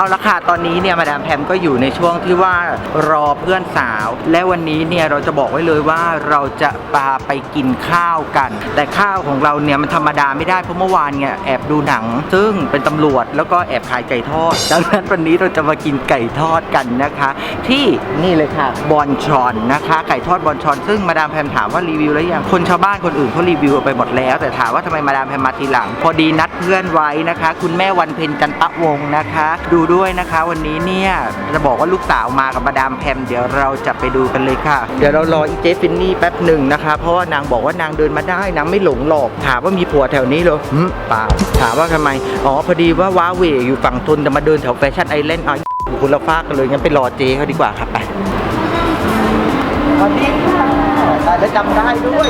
เอาละค่ะตอนนี้เนี่ยมาดามแพมก็อยู่ในช่วงที่ว่ารอเพื่อนสาวและวันนี้เนี่ยเราจะบอกไว้เลยว่าเราจะพาไปกินข้าวกันแต่ข้าวของเราเนี่ยมันธรรมดาไม่ได้เพราะเมื่อวานเนี่ยแอบดูหนังซึ่งเป็นตำรวจแล้วก็แอบขายไก่ทอดดังนั้นวันนี้เราจะมากินไก่ทอดกันนะคะที่นี่เลยค่ะบอนชอนนะคะไก่ทอดบอนชอนซึ่งมาดามแพมถามว่ารีวิวแล้วยังคนชาวบ้านคนอื่นเขารีวิวไปหมดแล้วแต่ถามว่าทำไมมาดามแพมมาทีหลังพอดีนัดเพื่อนไว้นะคะคุณแม่วันเพ็ญจันตะวงศ์นะคะดูด้วยนะคะวันนี้เนี่ยจะบอกว่าลูกสาวมากับมาดามแพมเดี๋ยวเราจะไปดูกันเลยค่ะเดี๋ยวเรารออีเจฟินนี่แป๊บหนึ่งนะคะเพราะว่านางบอกว่านางเดินมาได้นางไม่หลงหลอกถามว่ามีผัวแถวนี้เหรอเปล่าถามว่าทำไมอ๋อพอดีว่าว้าเหวอยู่ฝั่งทนจะมาเดินแถวแฟชั่นไอแลนด์อยู่คนละฟากกันเลยงั้นไปรอเจเขาดีกว่าครับไปวันนี้ค่ะได้จำได้ด้วย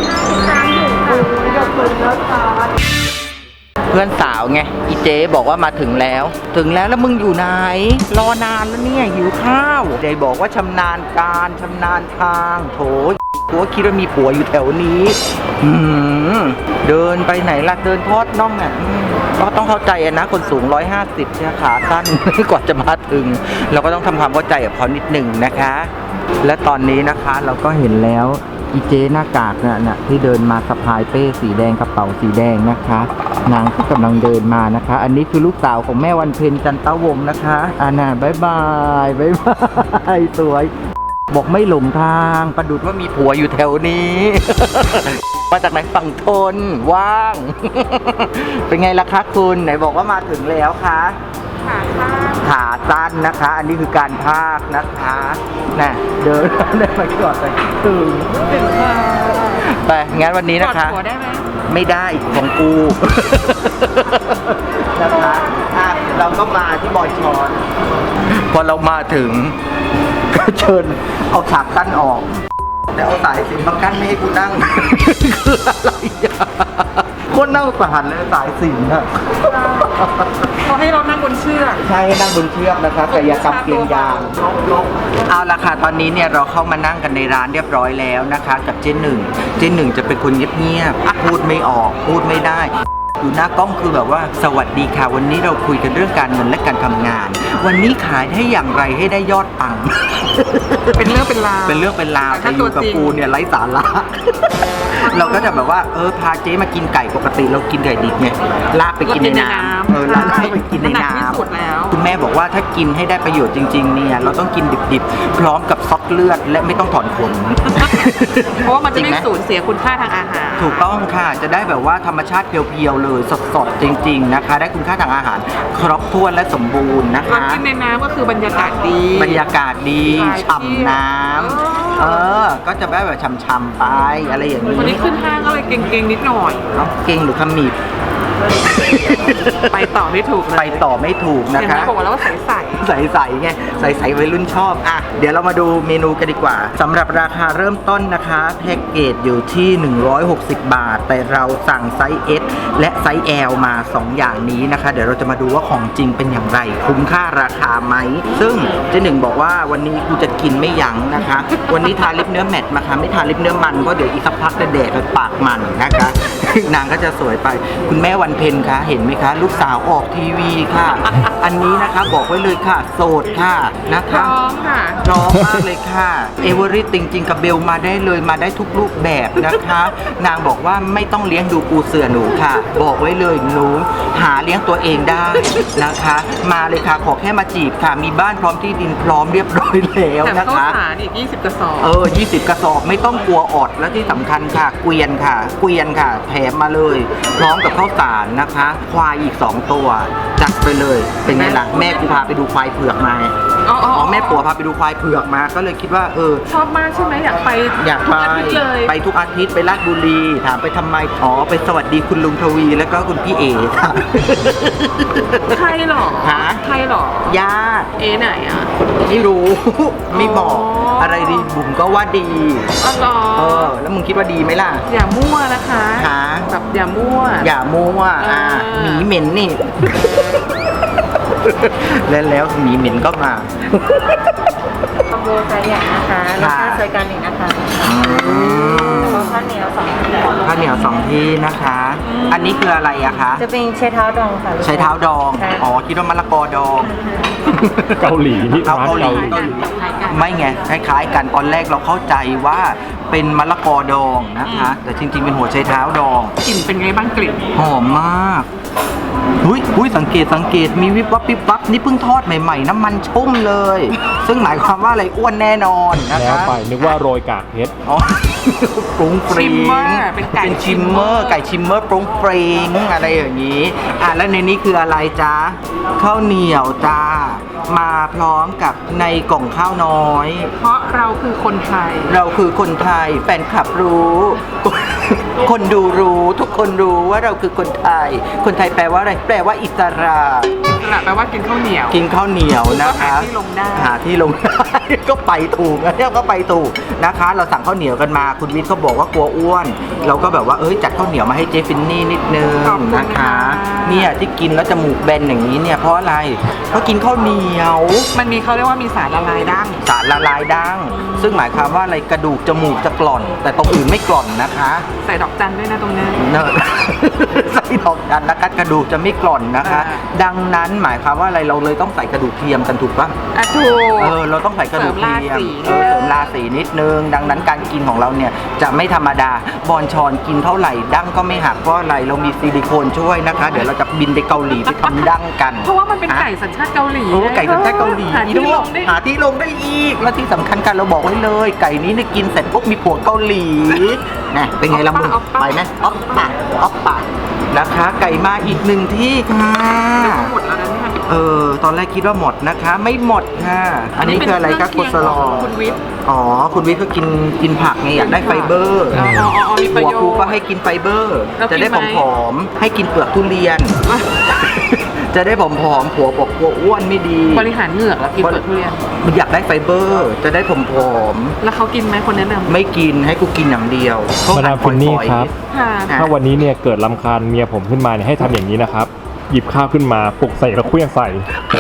เพื่อนสาวไงอีเจ๊บอกว่ามาถึงแล้วแล้วมึงอยู่ไหนรอนานแล้วเนี่ยหิวข้าวเจ๊บอกว่าชำนาญการชำนาญทางโถกูคิดว่ามีผัวอยู่แถวนี้เดินไปไหนล่ะเดินทอดน่องเนี่ยก็ต้องเข้าใจนะคนสูง150เนี่ยขาสั้น กว่าจะมาถึงเราก็ต้องทำความเข้าใจกับเขานิดหนึ่งนะคะและตอนนี้นะคะเราก็เห็นแล้วอีเจหน้ากากน่ะที่เดินมาสะพายเป้สีแดงกระเป๋าสีแดงนะคะนางก็กำลังเดินมานะคะอันนี้คือลูกสาวของแม่วันเพ็ญจันตะวงศ์นะคะน่ะบ๊ายบายสวยบอกไม่หลงทางประดุจว่ามีผัวอยู่แถวนี้ มาจากไหนฝั่งทนว่าง เป็นไงล่ะคะคุณไหนบอกว่ามาถึงแล้วคะขาสั้นนะคะอันนี้คือการพากนะคะน่ะเดินได้มาก่อนไปถึงไปงั้นวันนี้นะคะกอดผัวได้ไหมไม่ได้ของกู นะคะเราก็มาที่บอยชอนพอเรามาถึงก็เชิญเอาฉากกั้นออกแต่เอาสายสิญจน์มากั้นไม่ให้กูนั่ง คืออะไรคนนั่งสหันเลยสายสิญจน์อะเขาให้เรานั่งบนเชือกใช่ให้นั่งบนเชือกนะคะกายกรรมเกียงยางเอาละค่ะตอนนี้เนี่ยเราเข้ามานั่งกันในร้านเรียบร้อยแล้วนะคะกับเจ๊หนึ่งจะเป็นคนเงียบๆพูดไม่ออกพูดไม่ได้อยู่หน้ากล้องคือแบบว่าสวัสดีค่ะวันนี้เราคุยกันเรื่องการเงินและการทำงานวันนี้ขายได้อย่างไรให้ได้ยอดปังเป็นเรื่องเป็นราวแต่อยู่กับกูเนี่ยไร้สาระเราก็จะแบบว่าพาเจ๊มากินไก่ปกติเรากินไก่ดิบไงลากไปกินในน้ำลากไปกินในน้ำคุณแม่บอกว่าถ้ากินให้ได้ประโยชน์จริงๆเนี่ยเราต้องกินดิบๆพร้อมกับซอกเลือดและไม่ต้องถอนขนเพราะว่ามันจะไม่สูญเสียคุณค่าทางอาหารถูกต้องค่ะจะได้แบบว่าธรรมชาติเพียวๆเลยสดๆจริงๆนะคะได้คุณค่าทางอาหารครบถ้วนและสมบูรณ์นะคะกินในน้ำก็คือบรรยากาศดีฉ่ำน้ำก็จะแบบฉ่ำๆไปอะไรอย่างนี้วันนี้ขึ้นห้างก็เลยเก่งๆนิดหน่อยเก่งหรือขมิบไปต่อไม่ถูกเลยไปต่อไม่ถูกนะคะบอกว่าแล้วว่าใสไงใสวัยรุ่นชอบเดี๋ยวเรามาดูเมนูกันดีกว่าสำหรับราคาเริ่มต้นนะคะแพ็กเกจอยู่ที่160 บาทแต่เราสั่งไซส์ S และไซส์ L มา2อย่างนี้นะคะเดี๋ยวเราจะมาดูว่าของจริงเป็นอย่างไรคุ้มค่าราคาไหมซึ่งเจ๊หนึ่งบอกว่าวันนี้กูจะกินไม่ยั้งนะคะวันนี้ทาลิปเนื้อแมตต์มาค่ะไม่ทาลิปเนื้อมันเพราะเดี๋ยวอีกสักพักจะแดดไปปากมันนะคะนางก็จะสวยไปคุณแม่วันเพ็ญคะเห็นไหมคะลูกสาวออกทีวีค่ะอันนี้นะคะบอกไว้เลยค่ะโสดค่ะนะคะพร้อมมากเลยค่ะเอเวอรี่จริงๆกับเบลมาได้เลยมาได้ทุกรูปแบบนะคะนางบอกว่าไม่ต้องเลี้ยงดูปูเสือหนูค่ะบอกไว้เลยหนูหาเลี้ยงตัวเองได้นะคะมาเลยค่ะขอแค่มาจีบค่ะมีบ้านพร้อมที่ดินพร้อมเรียบร้อยแล้วนะคะแต่ข้าวสารอีก20 กระสอบ 20 กระสอบไม่ต้องกลัวอดและที่สำคัญค่ะเกวียนค่ะแถมมาเลยพร้อมกับข้าวสารนะคะควายอีก2ตัวจัดไปเลยเป็นไงล่ะแม่กูพาไปดูควายเผือกมาแม่ผัวพาไปดูควายเผือกมาก็เลยคิดว่าชอบมากใช่ไหมอยากไปไปทุกอาทิตย์ไปราชบุรีถามไปทำไมไปสวัสดีคุณลุงทวีแล้วก็คุณพี่เอ๋ค่ะใครหรอญาติไหนไม่รู้ไม่บอกอะไรดีบุ๋มก็ว่าดีแล้วมึงคิดว่าดีไหมล่ะอย่ามั่วนะคะแบบอย่ามั่วหมีเหม็นนี่ แล้วหมีเหม็นก็มาคอมโบไซส์ใหญ่นะคะแล้วก็ซอยกลาง1นะคะข้าวเหนียว2ที่นะคะอันนี้คืออะไรอะคะจะเป็นใช้เท้าดองค่ะใช้เท้าดองค่ะอ๋อคิดว่ามะละกอดองเกาหลีนี่เอาร้านเกาหลีเกาหลีไม่ไงคล้ายๆกันตอนแรกเราเข้าใจว่าเป็นมะละกอดองนะคะ แต่จริงๆเป็นหัวไชเท้าดองกลิ่นเป็นไงบ้างกลิ่นหอมมากหุ้ยสังเกตมีวิบวับวิบวับนี่เพิ่งทอดใหม่ๆน้ำมันชุ่มเลย ซึ่งหมายความว่าอะไรอ้วนแน่นอนนะแล้วคะไปนึกว่าโรยกากเพชรอ๋อ ปรุงปริงชิมเมอร์เป็นไก่ชิมเมอร์ไก่ชิมเมอร์ปรุงปริงอะไรอย่างนี้แล้วในนี้คืออะไรจ๊ะข้าวเหนียวจ้ามาพร้อมกับในกล่องข้าวน้อยเพราะเราคือคนไทยเราคือคนไทยแฟนคลับรู้ คนดูรู้ทุกคนรู้ว่าเราคือคนไทย คนไทยแปลว่าอะไร แปลว่าอิสระแปลว่ากินข้าวเหนียวกินข้าวเหนียวนะคะก็หาที่ลงได้หาที่ลงได้ ก็ไปถูกนะเนี่ยก็ไปถูกนะคะ เราสั่งข้าวเหนียวกันมาคุณวิทย์เขาบอกว่ากลัวอ้วน เราก็แบบว่าจัดข้าวเหนียวมาให้เจฟินนี่นิดนึงขอบคุณนะคะค่ะเนี่ยที่กินแล้วจมูกแบนอย่างนี้เนี่ยเพราะอะไรเพราะกินข้าวเหนียวมันมีเขาเรียกว่ามีสารละลายดั้งสารละลายดั้งซึ่งหมายความว่าอะไรกระดูกจมูกจะกร่อน แต่ตรงอื่นไม่กร่อนนะคะใส่ดอกจันด้วยนะตรงนี้เนอะ ใส่ดอกจันนะคะกระดูกจะไม่กร่อนนะคะอ่าดังนั้นหมายความว่าอะไรเราเลยต้องใส่กระดูกเทียมกันถูกปะอ่ะถูกเราต้องใส่กระดูกเทียมเสริมราศีเสริมราศีนิดนึง ดังนั้นการกินของเราเนี่ยจะไม่ธรรมดาบอลชอนกินเท่าไหร่ดั้งก็ไม่หักเพราะอะไรเรามีซิลิโคนช่วยนะคะ เดี๋ยวเราจะบินไปเกาหลีไปทำดั้งกันเพราะว่ามันเป็นไก่สัญชาติเกาหลีไก่สัญชาติเกาหลีหาที่ลงได้หาที่ลงได้อีกและที่สำคัญกันเราบอกไว้เลย ไก่นี้เนี่ยกินเสร็จปุ๊บมีผัวเกาหลีนะเป็นไงล่ะมึงอ๊อปปะไปไหมอ๊อปปะอ๊อปปะนะคะ ไก่มาอีกหนึ่งที่ค่ะหมดแล้วนะเนี่ยตอนแรกคิดว่าหมดนะคะ ไม่หมดค่ะ อันนี้คืออะไรคะเป็โคนสลอเครื่องเคียงของคุณวิทย์อ๋อ คุณวิทย์ก็กินผักไงอยากได้ไฟเบอร์อ๋อมีประหัวโยชน์กูก็ให้กินไฟเบอร์แล้วจะได้กินไหมผอมๆให้กินเปลือกทุเรียน จะได้ผอมๆผัวบอกกลัวอ้วนไม่ดีบริหารเหงือกแล้วกินเปลือกทุเรียนมันอยากได้ไฟเบอร์ จะได้ผอมแล้วเขากินไหมคนแนะนำๆไม่กินให้กูกินอย่างเดียวมาดามฟินนี่ครับค่ะอ่ะถ้าวันนี้เนี่ยเกิดรำคาญเมียผมขึ้นมาเนี่ยให้ทำอย่างนี้นะครับ หยิบข้าวขึ้นมาปลุกใส่แล้วเคลื่องใส่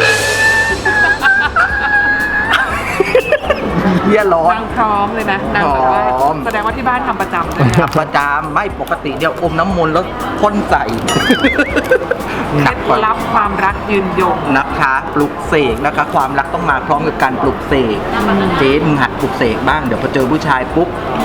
เฮียร้อนนางพร้อมเลยนะนางแบบว่าพร้อมแสดงว่าที่บ้านทำประจำเลยนะทำประจำไม่ปกติเดี๋ยวอมน้ำมนต์แล้วพ่นใส่ หนักเคกว่าล็ดลับความรักยืนยงนะคะปลุกเสกนะคะ ความรักต้องมาพร้อมกับการปลุกเสกเจ๊มึงหัดปลุกเสกบ้างเดี๋ยวพอเจอผู้ชายปุ๊บ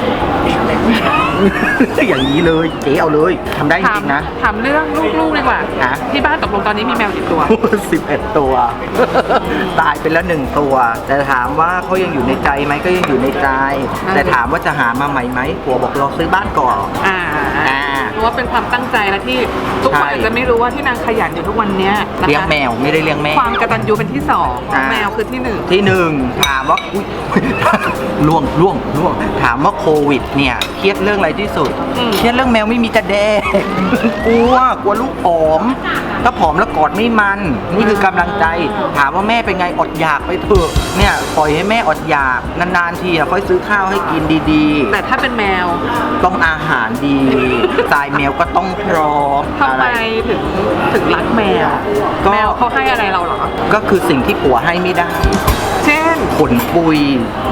อย่างนี้เลยเจ๊เอาเลยทำได้จริงๆนะถามเรื่องลูกๆดีกว่าฮะที่บ้านตกลงตอนนี้มีแมวกี่ตัว 11 ตัว ตายไปแล้ว1ตัว แต่ถามว่าเขายังอยู่ในใจไหมก็ยังอยู่ในใจ แต่ถามว่าจะหามาใหม่ไหมผัวบอกรอซื้อบ้านก่อนอ่าอ่าเพราะว่าเป็นความตั้งใจและที่ทุกคนใช่อาจจะไม่รู้ว่าที่นางขยันอยู่ทุกวันเนี้ยนะคะเลี้ยงแมวไม่ได้เลี้ยงแม่ความกตัญญูเป็นที่สองอ่าแมวคือที่หนึ่งที่หนึ่งถามว่าอุ๊ย ล่วงถามว่าโควิดเนี่ยเครียดเรื่องอะไรที่สุด เครียดเรื่องแมวไม่มีจะแดก กลัวลูกผอม ถ้าผอมแล้วกอดไม่มัน นี่คือกำลังใจ ถามว่าแม่เป็นไงอดอยากไปเถอะเนี่ยปล่อยให้แม่อดอยากนานๆทีค่อยซื้อข้าวให้กินดีแต่ถ้าเป็นแมวๆ ต้องอาหารดีสายแมวก็ต้องพร้อมทำไมถึงรักแมวก็แมวเขาให้อะไรเราเหรอก็คือสิ่งที่ผัวให้ไม่ได้เช่นขนปุย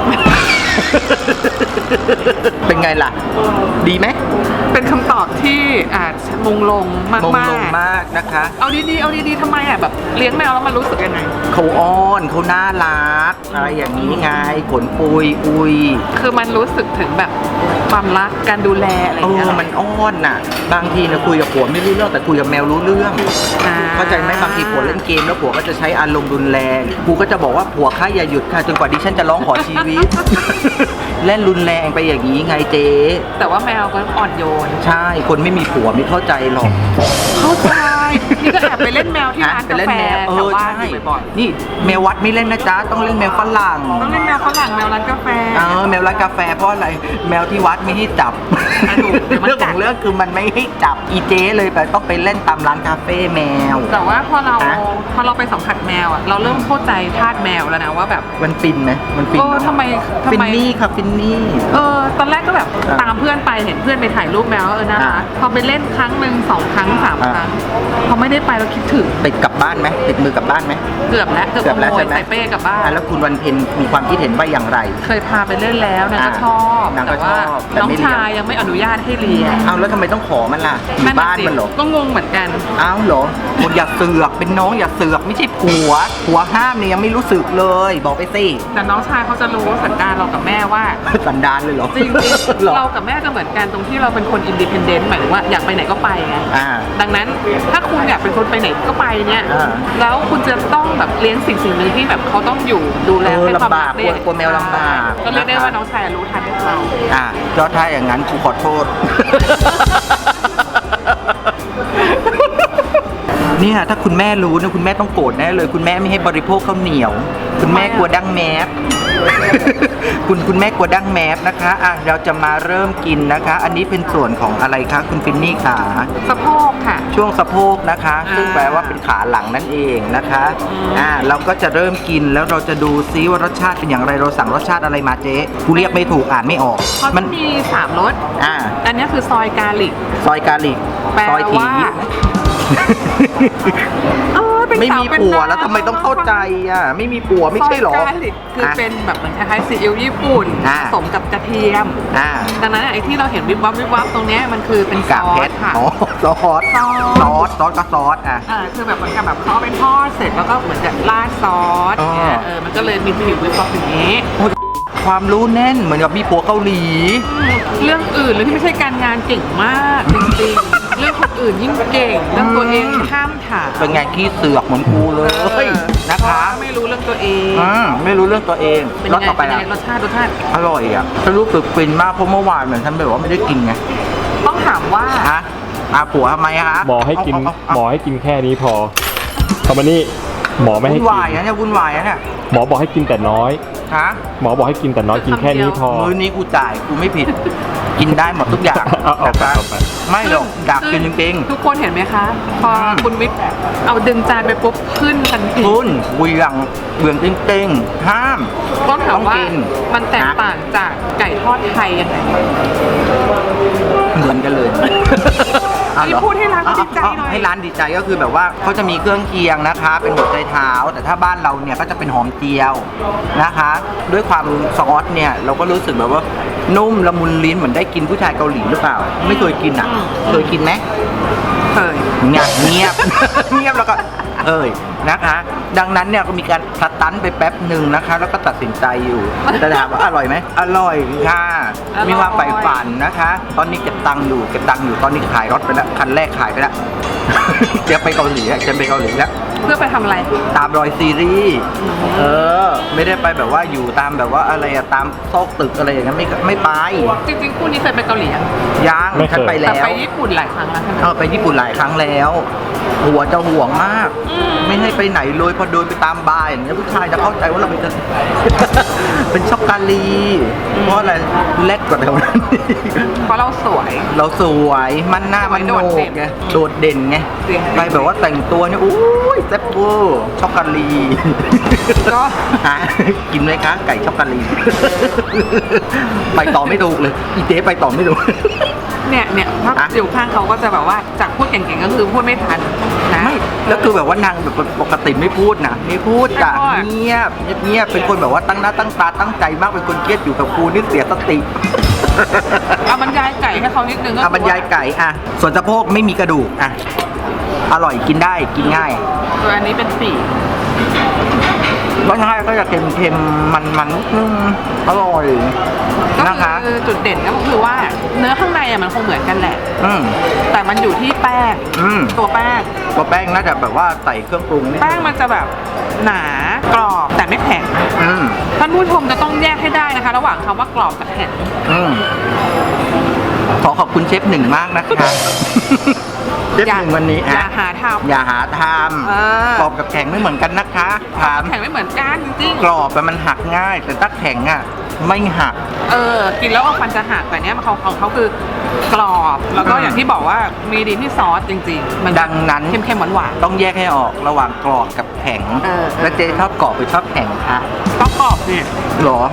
เป็นไงล่ะ ดีไหมเป็นคำตอบที่มงลงมากมงมากลงมากนะคะเอาดีๆทำไมแบบเลี้ยงแมวแล้วมันรู้สึกยังไงเขาอ้อนเขาน่ารักอะไรอย่างนี้ไงขนปุยอุยคือมันรู้สึกถึงแบบความรักการดูแลอะไรอย่างเงี้ยมันอ้อนน่ะ บางทีนะคุยกับผัวไม่รู้เรื่องแต่คุยกับแมวรู้เรื่องอ่เข้าใจไหมบางทีผัวเล่นเกมแล้วผัวก็จะใช้อารมณ์รุนแรงกูก็จะบอกว่าผัวข้าอย่าหยุดค่ะจนกว่าดิฉันจะร้องขอชีวิต เล่นรุนแรงไปอย่างนี้ไงเจ๊แต่ว่าแมวก็อ่อนโยนใช่คนไม่มีผัวไม่เข้าใจหรอกเข้าใจนี่ก็แอบไปเล่นแมวที่ร้านไปกาเล่นแฟแมวแถวบ้านใช่อยู่บ่อยนี่แมววัดไม่เล่นนะจ๊ะต้องเล่นแมวฝรั่งๆต้องเล่นแมวฝรั่งแมวร้านกาแฟแมวร้านกาแฟเพราะอะไรแมวที่วัดไม่ให้จับอ่ะถูกเดี๋ยวมันเรื่องกัขดองเรื่องคือมันไม่ให้จับอีเจ๊เลยไปต้องไปเล่นตามร้านคาเฟ่แมวแต่ว่าพอเราฮะไปสัมผัสแมวเราเริ่มเข้าใจทาสแมวแล้วนะว่าแบบมันฟินไหมมันฟินเออเนอะทำไมฟินนี่ค่ะฟินนี่ตอนแรกก็แบบอ่ะตามเพื่อนไปเห็นเพื่อนไปถ่ายรูปแมวน่ารักอ่ะพอไปเล่นครั้งหนึ่ง2 ครั้ง 3 ครั้งพอไม่ได้ได้ไปเราคิดถึงติดกลับบ้านไหมติดมือกลับบ้านไหมเกือบแล้วเกือบขโมยใส่เป้กลับบ้านแล้วคุณวันเพ็ญมีความคิดเห็นว่าอย่างไรเคยพาไปเล่นแล้วนางก็ชอบนางก็แต่ว่าชอบแต่น้องไม่เลี้ยงชายยังไม่อนุญาตให้เรียนเอาแล้วทำไมต้องขอมันล่ะอยู่บ้านมันเหรอก็งงเหมือนกันอ้าวเหรอคุณอย่าเสือกเป็นน้องอย่าเสือกไม่ใช่ผัวห้ามเนี่ยยังไม่รู้สึกเลย บอกไปสิแต่น้องชายเขาจะรู้สันดานเรากับแม่ว่าสันดานเลยเหรอจริงหรอๆเรากับแม่จะเหมือนกันตรงที่เราเป็นคนอินดิเพนเดนต์หมายถึงว่าอยากไปไหนก็ไปไงอ่าดังนั้นถ้าคุณอยากเป็นคนไปไหนก็ไปเนี่ยอ่าแล้วคุณจะต้องแบบเลี้ยงสิ่งหนึ่งที่แบบเขาต้องอยู่ดูแลให้ความรักกลัวแมวลำบากก็เรียกได้ว่าน้องชายรู้ทันเราก็ถ้าอย่างนั้นกูขอโทษ เนี่ยถ้าคุณแม่รู้นะคุณแม่ต้องโกรธแน่เลยคุณแม่ไม่ให้บริโภคข้าวเหนียว คุณแม่กลัวดั้งแมส คุณแม่กลัวดั้งแมสนะคะเราจะมาเริ่มกินนะคะ อันนี้เป็นส่วนของอะไรคะคุณฟินนี่ขาสะโพกค่ะช่วงสะโพกนะคะ ซึ่งแปลว่าเป็นขาหลังนั่นเองนะคะเราก็จะเริ่มกินแล้วเราจะดูซิว่ารสชาติเป็นอย่างไรเราสั่งรสชาติอะไรมาเจ๊กูเรียกไม่ถูกอ่านไม่ออกเขาจะมี3รส อันนี้คือซอยกาลิกซอยกาลิกแปลซอยถีว่าเป็นไม่สามีเป็นผัวน้าแล้วทำไมต้องเข้าใจไม่มีผัวไม่ใช่หรอซอยกาลิกคือเป็นแบบเหมือนคล้ายๆซีอิ๊วญี่ปุ่นผสมกับกระเทียม ดังนั้นไอ้ที่เราเห็นวิบวับวิบวับตรงเนี้ยมันคือเป็นซกากอเพสชรค่ะซอสก็ซอสคือแบบเหมือนกับแบบเขาเอาไปทอดเสร็จแล้วก็เหมือนจะราดซอสเนี่ยมันก็เลยมีผิววิบวับอย่างนี้ความรู้แน่นเหมือนกับมีผัวเกาหลีเรื่องอื่นเลยที่ไม่ใช่การงานเก่งมากจริงๆ เรื่องคนอื่นยิ่งเก่งเรื่องตัวเองห้ามถามเป็นไงขี้เสือกเหมือนกูเลยนะคะไม่รู้เรื่องตัวเองไม่รู้เรื่องตัวเองเป็นรสไงต่อไปเป็นละไงรสชาติอร่อยอ่ะฉันรู้สึกฟินมากเพราะเมื่อวานเหมือนฉันแบบว่าไม่ได้กินไงต้องถามว่าผัวทำไมฮะหมอให้กินแค่นี้พอคำนี้หมอไม่ให้วุ่นกิวายนะเนี่ยวุ่นวายนะเนี่ยหมอบอกให้กินแต่น้อยฮะหมอบอกให้กินแต่น้อยกินแค่นี้พอมื้อนี้กูจ่ายกูไม่ผิด กินได้หมดทุกอย่างเอาไปไม่หรอกอยากกินจริงทุกคนเห็นไหมคะ พอคุณวิทย์เอาดึงจานไปปุ๊บขึ้นทันทีๆคุณเบื่องจริงๆห้ามต้องถามว่าต้องกินมันแตกต่างจากไก่ทอดไทยยังไงเหมือนกันเลยนี่พูดให้ร้านเขาดีใจหน่อยให้ร้านดีใจก็คือแบบว่าเขาจะมีเครื่องเคียงนะคะ เป็นหัวใจเท้า แต่ถ้าบ้านเราเนี่ยก็จะเป็นหอมเจียวนะคะ ด้วยความซอสเนี่ยเราก็รู้สึกแบบว่านุ่มละมุนลิ้นเหมือนได้กินผู้ชายเกาหลีหรือเปล่า ไม่เคยกินอ่ะ เคยกินไหมเคยเงียบ เงียบแล้วก็นะคะ ดังนั้นเนี่ยก็มีการสตันไปแป๊บหนึ่งนะคะ แล้วก็ตัดสินใจอยู่แต่ถามว่าอร่อยไหมอร่อยค่ะ มีความใฝ่ฝันนะคะ ตอนนี้เก็บตังค์อยู่ตอนนี้ขายรถไปแล้วคันแรกขายไปแล้ว จะไปเกาหลีแล้วเพื่อไปทำอะไรตามรอยซีรีส์ไม่ได้ไปแบบว่าอยู่ตามแบบว่าอะไรอะตามซอกตึกอะไรอย่างนั้นไม่ไปจริงๆคู่นี้เคยไปเกาหลียังยังไม่เคยฉันไปแต่แล้วไปญี่ปุ่นหลายครั้งแล้วใช่ไหมไปญี่ปุ่นหลายครั้งแล้ว หัวจะห่วงมาก ไม่ให้ไปไหนเลยพอเดินไปตามบาร์อย่างเงี้ยผู้ชายจะเข้าใจว่าเราเป็น เป็นช็อกโกแลตเพราะอะไรเล็กกว่าแถวนั้นเพราะเราสวยเราสวยมันหน้ามันโหนกไงโดดเด่นไงเสียงไปแบบว่าแต่งตัวเนี่ยอุ้ยแซ่บเวอร์ช็อกโกแลตก็กินไหมคะไก่ช็อกโกแลต ไปต่อไม่ถูกเลยอีเจ๊ไปต่อไม่ถูกเนี่ยถ้าอยู่ข้างเขาก็จะแบบว่าจากพูดเก่งๆก็คือพูดไม่ทันนะไม่แล้วคือแบบว่านางแบบปกติไม่พูดนะไม่พูดจ้ะไม่พูดเงียบเป็นคนแบบว่าตั้งหน้าตั้งตาตั้งใจมากเป็นคนเครียดอยู่กับครูนี่เสียสติเอาบรรยายไก่ให้เขานิดนึงก็บรรยายไก่ส่วนสะโพกไม่มีกระดูกอร่อยกินได้กินง่ายตัวอันนี้เป็นปีกรสชาติก็จะเค็มๆมันนิดนึงอร่อยก็นะคะคือจุดเด่นก็คือว่าเนื้อข้างในมันคงเหมือนกันแหละ แต่มันอยู่ที่แป้ง ตัวแป้งตัวแป้งน่าจะแบบว่าใส่เครื่องปรุงนิดแป้งมันจะแบบหนากรอบแต่ไม่แข็งอืมท่านผู้ชมจะต้องแยกให้ได้นะคะ ระหว่างคำว่ากรอบกับแข็งขอขอบคุณเชฟหนึ่งมากนะคะเชฟหนึ่งวันนี้อย่าหาทอย่าหาทำำกรอบกับแข็งไม่เหมือนกันนะคะถามแข็งไม่เหมือนกันจริงกรอบมันหักง่าย แต่ถ้าแข็งไม่หักกินแล้วฟันจะหักแต่เนี้ยของเขาคือกรอบแล้วก็อย่างที่บอกว่ามีดีที่ซอสจริงๆ มันดังนั้นเค็มๆหวานต้องแยกให้ออกระหว่างกรอบกับแข็ง แล้วเจ๊ชอบกรอบหรือชอบแข็งคะๆก็กรอบเนี่ยหรอ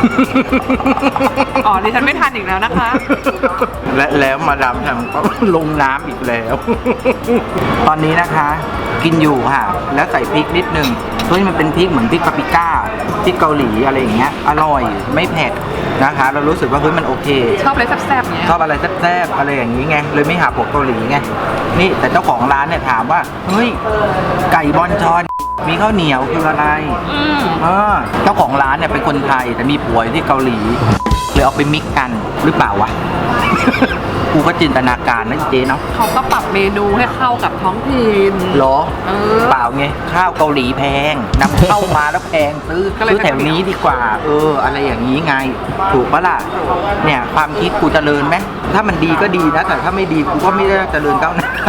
อ๋อดิฉันไม่ทานอีกแล้วนะคะและแล้วมาดามแฮมก็ลงน้ำอีกแล้ว ตอนนี้นะคะกินอยู่ค่ะ แล้วใส่พริกนิดนึงเฮ้ยมันเป็นพริกเหมือนพริกปาปริก้าพริกเกาหลีอะไรอย่างเงี้ยอร่อยไม่เผ็ดนะคะ เรารู้สึกว่าเฮ้ยมันโอเคชอบอะไรแซ่บๆเนี้ยชอบอะไรแซ่บๆอะไรอย่างนี้ไงเลยไม่หาพวกเกาหลีไงนี่แต่เจ้าของร้านเนี่ยถามว่าเฮ้ยไก่บอนชอนมีข้าวเหนียวคืออะไรเจ้าของร้านเนี่ยเป็นคนไทยแต่มีผัวอยู่ที่เกาหลีเลยเอาไปมิกกันหรือเปล่าวะ กูก็จินตนาการนะเจ๊เนาะเขาก็ปรับเมนูให้เข้ากับท้องถิ่นเหรอเปเปล่าไงข้าวเกาหลีแพงนำเข้ามาแล้วแพงซื้อก็เลยซื้อแถวนี้ดีกว่า อะไรอย่างนี้ไงถูกปะล่ะเนี่ยความคิดกูเจริญไหมถ้ามันดีก็ดีนะแต่ถ้าไม่ดีกูก็ไม่ได้เจริญก้าวหน้า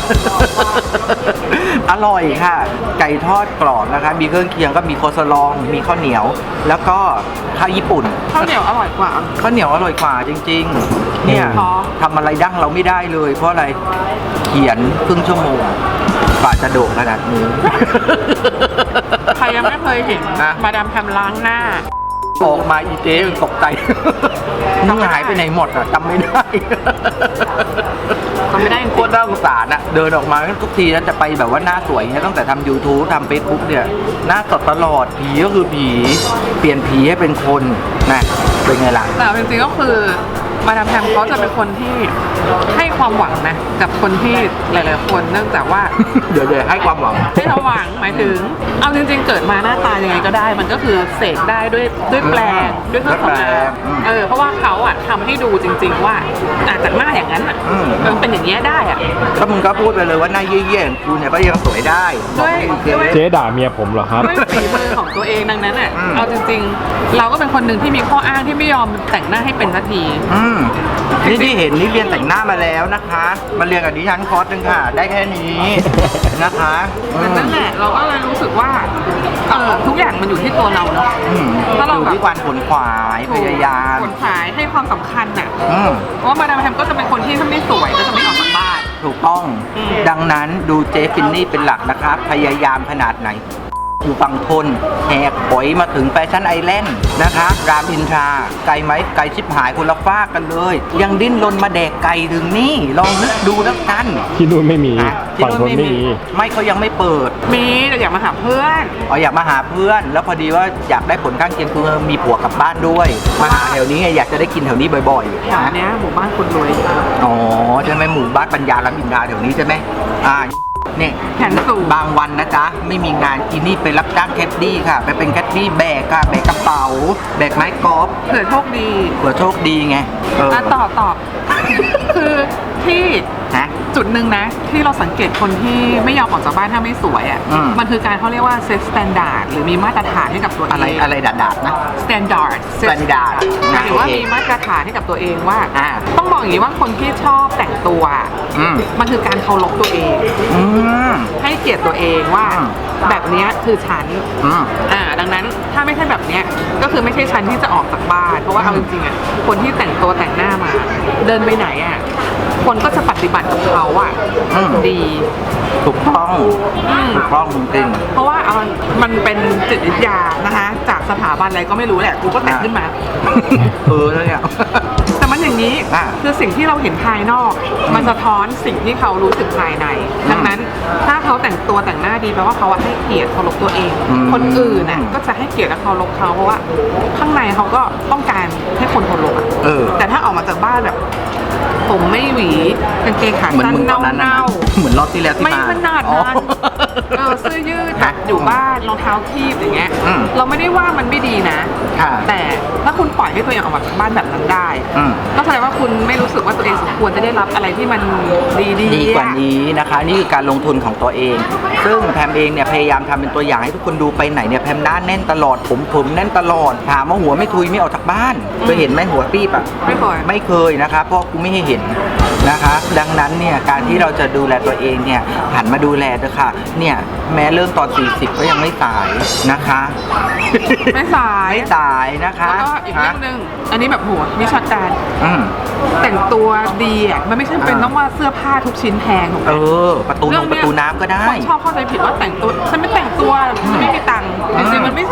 อร่อยค่ะ ไก่ทอดกรอบนะคะมีเครื่องเคียงก็มีโคสลองมีข้าวเหนียว แล้วก็ข้าวญี่ปุ่นข้าวเหนียวอร่อยกว่าข้าวเหนียวอร่อยกว่าจริงๆ เนี่ยอ๋อทำอะไรดั้งเราไม่ได้เลย เพราะอะไรเขียนครึ่งชั่วโมงกว่าจะโด่งขนาดนี้ใครยังไม่เคยเห็นนะมาดามแพมล้างหน้าออกมาอีเจ๊ตกใจ มึงหายไปไหนหมดอ่ะจำไม่ได้จำไม่ได้จริงโคตรน่าสงสารอ่ะเดินออกมาทุกทีนั้นจะไปแบบว่าหน้าสวยเนี่ยตั้งแต่ทำ YouTube ทำ Facebook เนี่ยหน้าสดตลอดผีก็คือผีเปลี่ยนผีให้เป็นคนนะเป็นไงล่ะแต่จริงๆก็คือมาดามแพมเขาจะเป็นคนที่ให้ความหวังนะกับคนที่หลายๆคนเนื่องจากว่าเดี๋ยวให้ความหวังให้เราหวังหมายถึง เอาจริงๆเกิดมาหน้าตายังไงก็ได้ มันก็คือเสกได้ด้วยแปลงด้วยเครื่องสำอางเพราะว่าเขาอะทำให้ดูจริง ๆ ว่าจากหน้าอย่างนั้นอะมันเป็นอย่างนี้ยได้อะก็มึงก็พูดไปเลยว่าหน้าเยี่ยๆของกูเนี่ยก็ยังสวยได้ด้วยเจ๊ด่าเมียผมเหรอครับด้วยฝีมือของตัวเองดังนั้นอ่ะ เอาจริงๆ เราก็เป็นคนหนึ่งที่มีข้ออ้างที่ไม่ยอมแต่งหน้าให้เป็นสักทีนี่ที่เห็นนี่เรียนแต่งหน้ามาแล้วนะคะ มาเรียนกับดิฉันคอร์สหนึงค่ะ ได้แค่นี้นะคะนั่นแหละเราก็เลยรู้สึกว่าทุกอย่างมันอยู่ที่ตัวเราเนาะ ถ้าเราอยู่แบบที่การขวนขวายพยายามคนขายให้ความสำคัญน่ะอืมเพราะว่ามาดามแพมก็จะเป็นคนที่ถ้าไม่สวยก็จะไม่ออกจากบ้านถูกต้อง ดังนั้นดูเจฟินนี่เป็นหลักนะคะ พยายามขนาดไหน อยู่ฝั่งทนแหกปอยมาถึงแฟชั่นไอแลนด์นะคะรามอินทราไกลไหมไกลชิบหายคนละฟากกันเลย ยังดิ้นรนมาแดกไก่ถึงนี่ ลองนึกดูแล้วกันที่นู่นไม่มีอ่ะฝั่งทนไม่มีไม่เขายังไม่เปิดมีแต่อยากมาหาเพื่อนอ๋ออยากมาหาเพื่อน แล้วพอดีว่าอยากได้ผลข้างเคียงคือมีผัวกลับบ้านด้วย มาหาแถวนี้ไงอยากจะได้กินแถวนี้บ่อยแถวเนี้ยหมู่บ้านคนรวยอ๋อใช่ไหมหมู่บ้านปัญญารามอินทราแถวนี้ใช่ไหมเนี่ยแขนสูงบางวันนะจ๊ะไม่มีงานอีนี่ไปรับจ้างแคดดี้ค่ะ ไปเป็นแคดดี้แบกค่ะแบกกระเป๋าแบกไม้กอล์ฟเผื่อโชคดีเผื่อโชคดีไงตอบ คือที่ฮะจุดหนึ่งนะ ที่เราสังเกตคนที่ไม่ยอมออกจากบ้านถ้าไม่สวยอ่ะ มันคือการเขาเรียกว่าเซตสแตนดาร์ดหรือมีมาตรฐานให้กับตัวเองอะไรดาดๆนะสแตนดาร์ด standard หมายถึงว่าโอเคมีมาตรฐานให้กับตัวเองว่าอ่าต้องบอกอย่างนี้ว่าคนที่ชอบแต่งตัว มันคือการเคารพตัวเองอืมให้เกียรติตัวเองว่าอืมแบบเนี้ยคือฉันอืมดังนั้นถ้าไม่ใช่แบบเนี้ยก็คือไม่ใช่ฉันที่จะออกจากบ้านเพราะว่าเอาจริงๆอ่ะคนที่แต่งตัวแต่งหน้ามา เดินไปไหนอ่ะคนก็จะปฏิบัติกับเขาอ่ะดีถูกต้องถูกต้องจริงเพราะว่ามันเป็นจิตวิทยานะคะจากสถาบันอะไรก็ไม่รู้แหละกูก็แต่งขึ้นมาแล้วเนี่ยแต่มันอย่างนี้อ่ะคือสิ่งที่เราเห็นภายนอก มันสะท้อนสิ่งที่เขารู้สึกภายใน ดังนั้นถ้าเขาแต่งตัวแต่งหน้าดีแปลว่าเขาให้เกียรติเคารพตัวเอง คนอื่นน่ะก็จะให้เกียรติและเคารพเขาเพราะว่าข้างในเขาก็ต้องการให้คนเคารพอะแต่ถ้าออกมาจากบ้านแบบ ผมไม่หวีกางเกงขาเหมือนสั้นมึงตอนนั้นเน่าเหมือนรอบที่แล้วๆที่ไม่มาขนาดอ๋อนั้นเสื้อยืดแบบอยู่บ้านรองเท้าคีบอย่างเงี้ย เราไม่ได้ว่ามันไม่ดีนะค่ะแต่ถ้าคุณปล่อยให้ตัวเองออกมาจากบ้านแบบนั้นได้ ก็แสดงว่าคุณไม่รู้สึกว่าตัวเองสมควรจะได้รับอะไรที่มันดีๆกว่านี้นะคะ นี่คือการลงทุนของตัวเอง ซึ่งแพมเองเนี่ยพยายามทำเป็นตัวอย่างให้ทุกคนดูไปไหนเนี่ยแพมหน้าแน่นตลอดผมแน่นตลอดถามว่าหัวไม่ทุยไม่ออกจากบ้านเคยเห็นไหมหัวปี๊บอ่ะไม่เคยไม่เคยนะคะเพราะกูไม่ให้เห็นนะคะ ดังนั้นเนี่ยการที่เราจะดูแลตัวเองเนี่ยหันมาดูแลเถอะค่ะเนี่ยแม้เริ่มตอน 40 ก็ยังไม่สายนะคะไม่สายไม่สายนะคะแล้วก็อีกเรื่องหนึ่งอันนี้แบบหัววิชาการอืมแต่งตัวดีอ่ะมันไม่ใช่เป็นต้องว่าเสื้อผ้าทุกชิ้นแพงถูกไหมประตูน้ำก็ได้คนชอบเข้าใจผิดว่าแต่งตัวฉันไม่แต่งตัวฉันไม่มีตังค์จริงๆมันไม่ใช่มันอยู่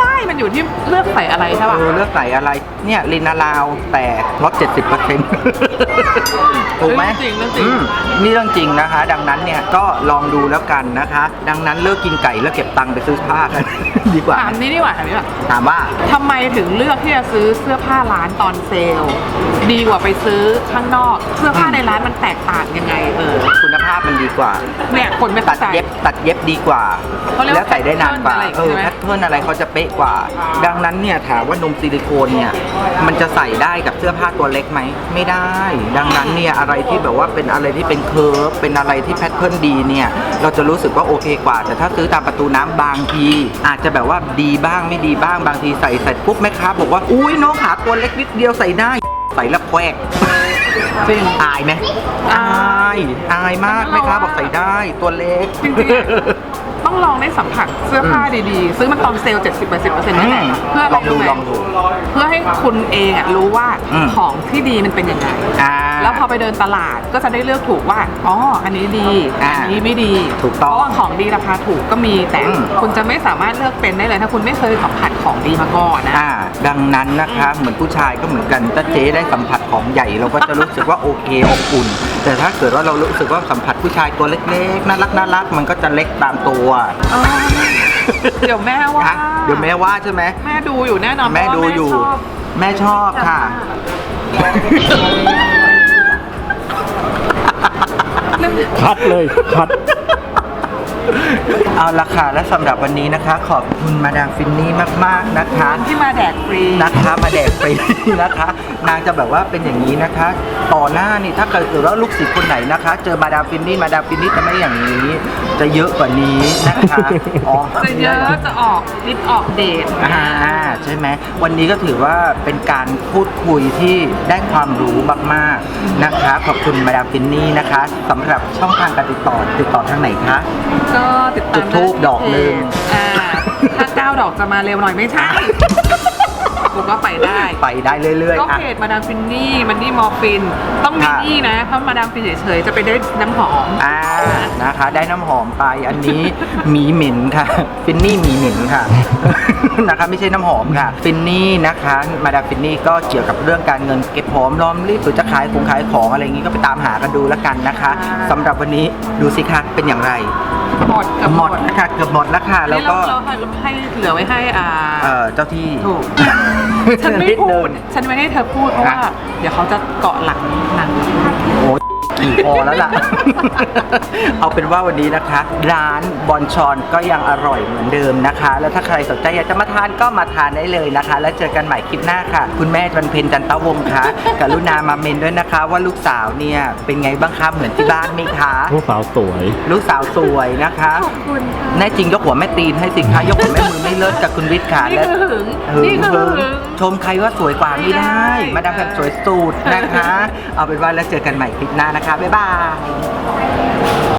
อยู่ที่เลือกใส่อะไรใช่ป่ะเลือกใส่อะไรเนี่ยลินาลาวแต่ลด 70% ถูกไหมเรื่องจริงนี่เรื่องจริงนะคะ ดังนั้นเนี่ยก็ลองดูแล้วกันนะคะ ดังนั้นเลิกกินไก่แล้วเก็บตังค์ไปซื้อผ้ากัน ดีกว่าถามนี่ดีกว่าถามว่าทำไมถึงเลือกที่จะซื้อเสื้อผ้าร้านตอนเซลล์ดีกว่าไปซื้อข้างนอก เสื้อผ้าในร้านมันแตกต่างยังไงคุณภาพมันดีกว่าเนี่ยคนไม่ตัเข้าดใจเย็บดีกว่าเขาเรียกว่าแล้วใส่ได้นานกว่า pattern อะไรใช่ไหมแพทเทิร์นอะไรเขาจะเป๊ะกว่า ดังนั้นเนี่ยถามว่านมซิลิโคนเนี่ยมันจะใส่ได้กับเสื้อผ้าตัวเล็กไหมไม่ได้ ดังนั้นเนี่ยอะไรที่แบบว่าเป็นอะไรที่เป็นเคิร์ฟเป็นอะไรที่แพทเทิร์นดีเนี่ยเราจะรู้สึกว่าโอเคกว่า แต่ถ้าซื้อตามประตูน้ำบางที อาจจะแบบว่าดีบ้างไม่ดีบ้างบางทีใส่เสร็จปุ๊บแม่ค้าบอกว่าอุ้ยน้องขาตัวเล็กนิดเดียวใส่ได้ใส่แล้วแควกจริงอายไหมอายมากแม่ค้าบอกใส่ได้ตัวเล็กจริงๆต้องลองได้สัมผัสเสื้อผ้าดีๆ ซื้อมันตอนเซลล์ 70-80%นั่นแหละเพื่ออะไรรู้ไหมลองดูเพื่อให้คุณเองรู้ว่าอืมของที่ดีมันเป็นยังไง แล้วพอไปเดินตลาดก็จะได้เลือกถูกว่า อ๋อ อันนี้ดี อันนี้ไม่ดีถูกต้องเพราะว่าของดีราคาถูกก็มี แต่อืมคุณจะไม่สามารถเลือกเป็นได้เลยถ้าคุณไม่เคยสัมผัสของดีมาก่อนนะดังนั้นนะคะเหมือนผู้ชายก็เหมือนกันถ้าเจ๊ได้สัมผัสของใหญ่เราก็จะรู้สึกว่าโอเคอบอุ่น แต่ถ้าเกิดว่าเรารู้สึกว่าสัมผัสผู้ชายตัวเล็กๆน่ารักมันก็จะเล็กตามตัวเดี๋ยวแม่ว่าเดี๋ยวแม่ว่าใช่ไหมแม่ดูอยู่แน่นอนแม่ดูอยู่ แม่ชอบค่ะคัดเลยคัดเอาละค่ะและสำหรับวันนี้นะคะ ขอบคุณมาดามฟินนี่มากๆนะคะที่มาแดกฟรีนะคะมาแดกฟรีนะคะ นางจะแบบว่าเป็นอย่างนี้นะคะ ต่อหน้านี่ถ้าเกิดว่าลูกศิษย์คนไหนนะคะ เจอมาดามฟินนี่จะไม่อย่างนี้ จะเยอะกว่านี้นะคะอ๋อจะเยอะจะออกลิปออกเดทใช่ไหมวันนี้ก็ถือว่าเป็นการพูดคุยที่ได้ความรู้มากๆนะคะ ขอบคุณมาดามฟินนี่นะคะสำหรับช่องทางการติดต่อทางไหนคะก็ติดตามจุดธูปดอกหนึ่งถ้า9 ดอกจะมาเร็วหน่อยไม่ใช่ผมก็ไปได้ไปได้เรื่อยก็ๆอ่ะเพจมาดามฟินนี่มันนี่มอร์ฟิน ต้องมินนี่นะเพราะมาดามฟินเฉยๆจะไปได้น้ำหอมนะคะ ได้น้ำหอมไปอันนี้ หมีเหม็นค่ะฟินนี่หมีเหม็นค่ะ นะคะไม่ใช่น้ำหอมค่ะฟินนี่นะคะมาดามฟินนี่ก็เกี่ยวกับเรื่องการเงินเก็บหอมรอมริบหรือจะขายของอะไรอย่างนี้ก็ไปตามหากันดูแล้วกันนะคะสำหรับวันนี้ดูสิคะเป็นอย่างไรหมดกับหมดนะคะเกือบหมดแล้วค่ะแล้วก็เราให้เหลือไว้ให้เจ้าที่ถูก ฉันไม่นิดพูนึดงฉันไม่ให้เธอพูดเพราะว่า เดี๋ยวเขาจะเกาะหลังหนังโอ้ยกี่พอแล้วล่ะ เอาเป็นว่าวันนี้นะคะ ร้านบอนชอนก็ยังอร่อยเหมือนเดิมนะคะ แล้วถ้าใครสนใจอยากจะมาทานก็มาทานได้เลยนะคะ แล้วเจอกันใหม่คลิปหน้าค่ะ คุณแม่วันเพ็ญจันตะวงศ์คะกรุณามาเมนด้วยนะคะ ว่าลูกสาวเนี่ยเป็นไงบ้างคะเหมือนที่บ้านไหมคะลูกสาวสวยลูกสาวสวยนะคะขอบคุณค่ะแน่จริงยกหัวแม่ตีนให้สิคะยกหัวแม่มือไม่เลิศกับคุณวิทย์ค่ะนี่คือหึงนี่คือหึงชมใครว่าสวยกว่าไม่ได้ไม่ได้มาดามแพมสวยสุดนะคะ เอาเป็นว่าแล้วเจอกันใหม่คลิปหน้านะคะ บ๊ายบาย